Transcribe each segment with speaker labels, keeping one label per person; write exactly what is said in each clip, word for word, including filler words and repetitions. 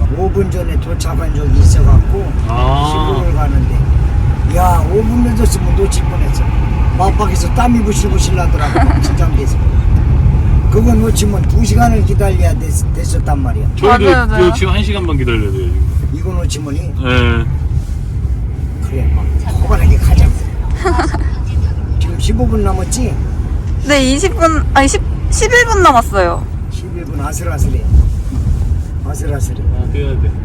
Speaker 1: 오 분 전에 도착한 적이 있어갖고
Speaker 2: 아.
Speaker 1: 시골을 가는데 야 오 분 늦었으면 놓칠 뻔했어. 막박에서 땀이 부실부실 나더라고. 막 긴장돼서. 그거 놓치면 두 시간을 기다려야 됐, 됐었단 말이야.
Speaker 2: 저희도
Speaker 3: 맞아요, 맞아요.
Speaker 2: 이거 지금 한 시간만 기다려야 돼요 지금.
Speaker 1: 이거 놓치면이
Speaker 2: 예.
Speaker 1: 그래 막 호발하게 가자고. 지금 십오 분 남았지?
Speaker 3: 네, 이십 분, 아니, 십, 십일 분 남았어요.
Speaker 1: 십일 분 아슬아슬해. 아슬아슬해.
Speaker 2: 아 뛰어야 돼.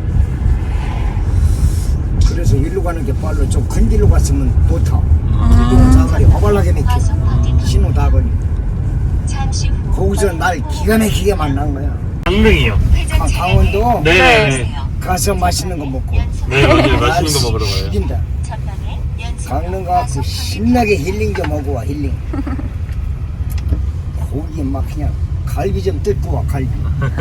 Speaker 1: 그래서 일로 가는 게 빨라. 좀 큰 길로 갔으면 못 타. 길도 사가리 허발나게 맥혀. 신호 다 걸려. 거기서 날 기가 막히게 만난 거야.
Speaker 2: 강릉이요.
Speaker 1: 아, 강원도
Speaker 2: 네.
Speaker 1: 가서 맛있는 거 먹고.
Speaker 2: 네 맞아요. 맛있는 거 먹으러 가요.
Speaker 1: 죽인다. 강릉 가서 신나게 힐링 좀 하고 와 힐링. 고기 막 그냥 갈비 좀 뜯고 와 갈비.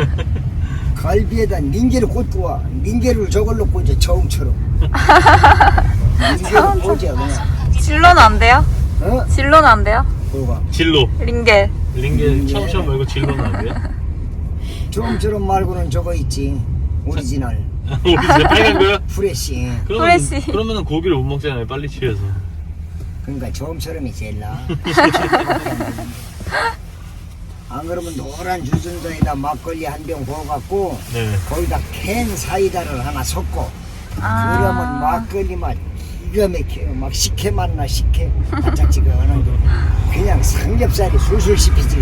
Speaker 1: 갈비에다 닌게를 꽂고 와. 닌게를 저걸로 꽂아 처음처럼. 닌게를 꽂아 그냥.
Speaker 3: 진로는 안 돼요?
Speaker 1: 어?
Speaker 3: 진로는 안 돼요?
Speaker 1: 뭐가?
Speaker 2: 진로.
Speaker 3: 링겔.
Speaker 2: 링게 처음처럼 말고 진로는 안 돼요?
Speaker 1: 처음처럼 말고는 저거 있지. 오리지널.
Speaker 2: 우리 진짜 빨간 거요?
Speaker 1: 프레시.
Speaker 2: 그러면
Speaker 3: 후레쉬.
Speaker 2: 그러면은 고기를 못 먹잖아요. 빨리 취해서.
Speaker 1: 그러니까 처음처럼이 제일 나아. 안 그러면 노란 주전자에다 막걸리 한 병 부어갖고
Speaker 2: 네.
Speaker 1: 거기다 캔 사이다를 하나 섞고
Speaker 3: 아.
Speaker 1: 그러면 막걸리 맛 기가 막혀요. 막 식혜 맛나 식혜 바짝지근한 게 그냥 삼겹살이 술술 씹히지.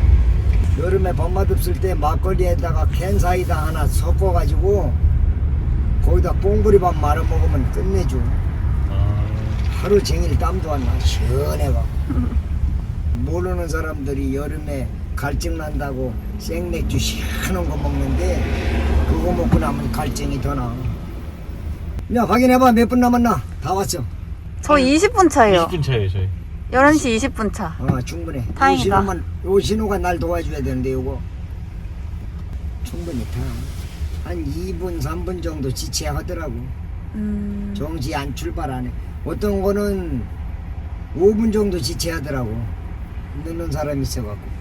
Speaker 1: 여름에 밥맛 없을 때 막걸리에다가 캔 사이다 하나 섞어가지고 거기다 뽕구리밥 말아 먹으면 끝내줘.
Speaker 2: 아,
Speaker 1: 하루 종일 땀도 안 나. 시원해가. 모르는 사람들이 여름에 갈증 난다고 생맥주 시원한 거 먹는데 그거 먹고 나면 갈증이 더 나. 야 확인해봐. 몇 분 남았나? 다 왔어.
Speaker 3: 저 이십 분 차예요.
Speaker 2: 이십 분 차예요 저희.
Speaker 3: 열한 시 이십 분 차.
Speaker 1: 아 충분해.
Speaker 3: 다행이다.
Speaker 1: 요 신호만, 요 신호가 날 도와줘야 되는데 요거 충분히 타. 한 이 분 삼 분 정도 지체하더라고.
Speaker 3: 음.
Speaker 1: 정지 안 출발 안 해. 어떤 거는 오 분 정도 지체하더라고. 늦는 사람이 있어갖고.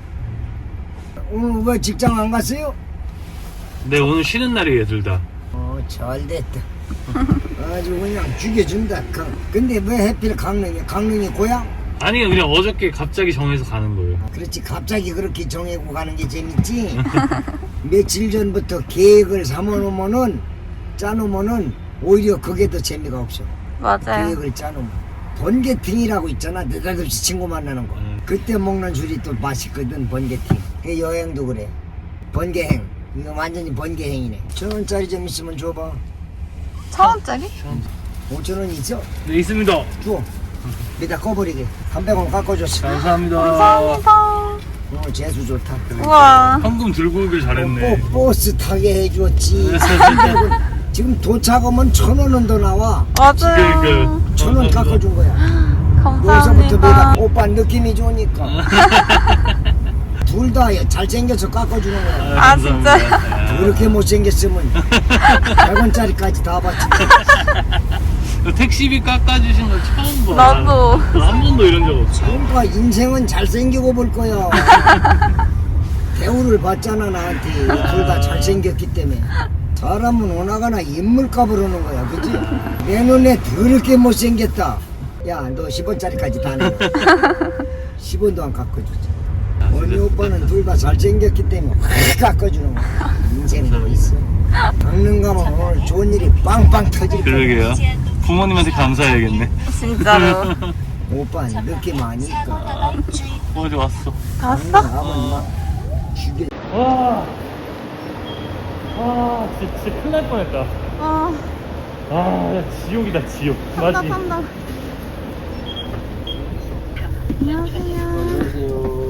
Speaker 1: 오늘 왜 직장 안 갔어요?
Speaker 2: 네 오늘 쉬는 날이에요 둘 다.
Speaker 1: 어 잘됐다. 아주 그냥 죽여준다. 강- 근데 왜 하필 강릉이야? 강릉이 고향?
Speaker 2: 아니요 그냥 어저께 갑자기 정해서 가는 거예요.
Speaker 1: 그렇지 갑자기 그렇게 정하고 가는 게 재밌지. 며칠 전부터 계획을 삼아놓으면은 짜놓으면은 오히려 그게 더 재미가 없어.
Speaker 3: 맞아요.
Speaker 1: 계획을 짜놓으면 번개팅이라고 있잖아. 느닷없이 친구 만나는 거.
Speaker 2: 음.
Speaker 1: 그때 먹는 술이 또 맛있거든. 번개팅. 그 여행도 그래. 번개행. 이거 완전히 번개행이네. 천 원짜리 좀 있으면 줘봐.
Speaker 3: 천 원짜리?
Speaker 1: 오천 원 있어?
Speaker 2: 네 있습니다.
Speaker 1: 줘. 밑에 꺼버리게. 삼백 원 깎아줬어.
Speaker 2: 감사합니다.
Speaker 3: 감사합니다.
Speaker 1: 오늘 재수 좋다.
Speaker 3: 우와.
Speaker 2: 현금 들고 오길 잘했네.
Speaker 1: 뽀, 버스 타게 해줬지. 삼백 원. 지금 도착하면 천 원은 더 나와.
Speaker 3: 맞아요.
Speaker 2: 그,
Speaker 1: 천 원 깎아준 거야. 여기서부터
Speaker 3: 감사합니다.
Speaker 1: 내가 오빠 느낌이 좋으니까. 둘 다 잘생겨서 깎아주는 거야.
Speaker 3: 아, 진짜요?
Speaker 1: 그렇게 못생겼으면 백 원짜리까지 다 받지.
Speaker 2: 택시비 깎아주신 거 처음 봐.
Speaker 3: 나도.
Speaker 2: 한 번도 이런 적 없어.
Speaker 1: 그러니까 인생은 잘생기고 볼 거야. 대우를 받잖아 나한테. 둘 다 잘생겼기 때문에. 사람은 오나가나 인물값을 오는 거야. 그치? 내 눈에 더럽게 못생겼다. 야 너 십 원짜리까지 다 내. 십 원도 안 깎아주지. 언니 오빠는 둘 다 잘생겼기 때문에 확 깎아주는 거야. 인생 뭐 있어. 강릉 가면 오늘 좋은 일이 빵빵 터질 거야.
Speaker 2: 그러게요. 부모님한테 감사해야겠네.
Speaker 3: 진짜로.
Speaker 1: 오빠는 느낌 아니까.
Speaker 2: 어제 왔어.
Speaker 3: 갔어?
Speaker 1: 아버님 막 죽여.
Speaker 2: 와, 와, 진짜, 진짜 큰일 날 뻔했다.
Speaker 3: 아,
Speaker 2: 아, 야, 지옥이다, 지옥. 맞지?
Speaker 3: 한다, 한다. 안녕하세요.
Speaker 2: 안녕하세요.